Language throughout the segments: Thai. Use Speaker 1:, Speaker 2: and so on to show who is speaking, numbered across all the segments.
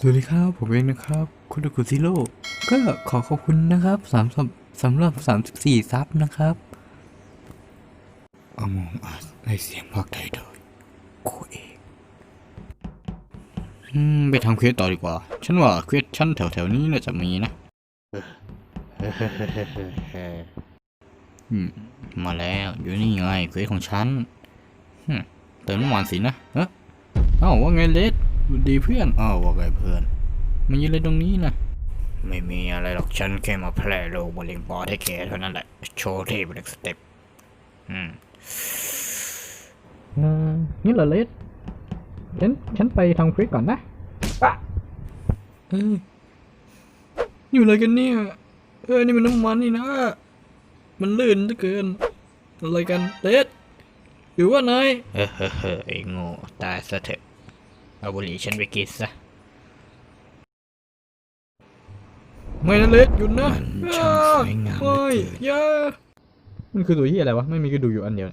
Speaker 1: สวัสดีครับผมเองนะครับคุณดูกุซิโร่ก็ขอขอบคุณนะครับสำหรับ34ซับนะครับอมองอัสในเสียงภาคไทยโดยโคเองไปทำเควสต่อดีกว่าฉันว่าเควสชั้นแถวๆนี้น่าจะมีนะมาแล้วอยู่นี่ไงเควสของฉันเติมน้ำมันสินะว่าไงเลดดีเพื่อนว่าไงเพื่อนมันยืนเลยตรงนี้นะไม่มีอะไรหรอกฉันแค่มาแพร่โรคมะเร็งปอดให้แกเท่านั้นแหละโชว์เทพเป็นสเต็ปนี่เหรอเลดฉันไปทำคลิปก่อนนะปะอยู่อะไรกันเนี่ยนี่มันน้ำมันนี่นะมันลื่นเหลือเกินอะไรกันเลดหรือว่านายไอ้โง่ตายซะเถอะเอาบุหรี่ฉันไปกินซะไม่นะเลดหยุดนะช่างสวยงามไม่อย่ามันคือตัวที่อะไรวะไม่มีกระดูกอยู่อันเดียว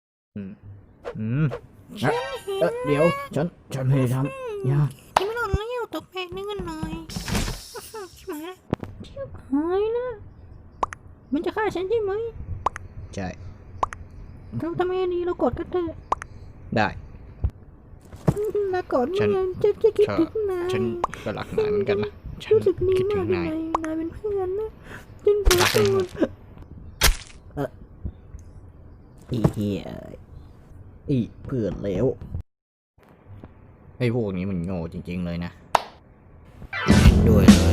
Speaker 1: เดี๋ยวฉันไม่ได้ทำอย่า
Speaker 2: ไม่หล่นแล้วอยู่ตกแบกนึงกันหน่อยชิบหายละชิบหายละมันจะฆ่าฉันใช่ไหม
Speaker 1: ใช่
Speaker 2: เราทำไมดีเรากดกันเถอะ
Speaker 1: ได้
Speaker 2: เรากดฉันจะคิดถึงนาย
Speaker 1: ฉันก็รักนายเหมือนกันนะ
Speaker 2: รู้สึกดีมากเลยนายเป็นเพื่อนนะจนรัก
Speaker 1: อีเหี้ยอีเพื่อนเลวไอ้พวกนี้มันโง่จริงๆเลยนะด้วยเล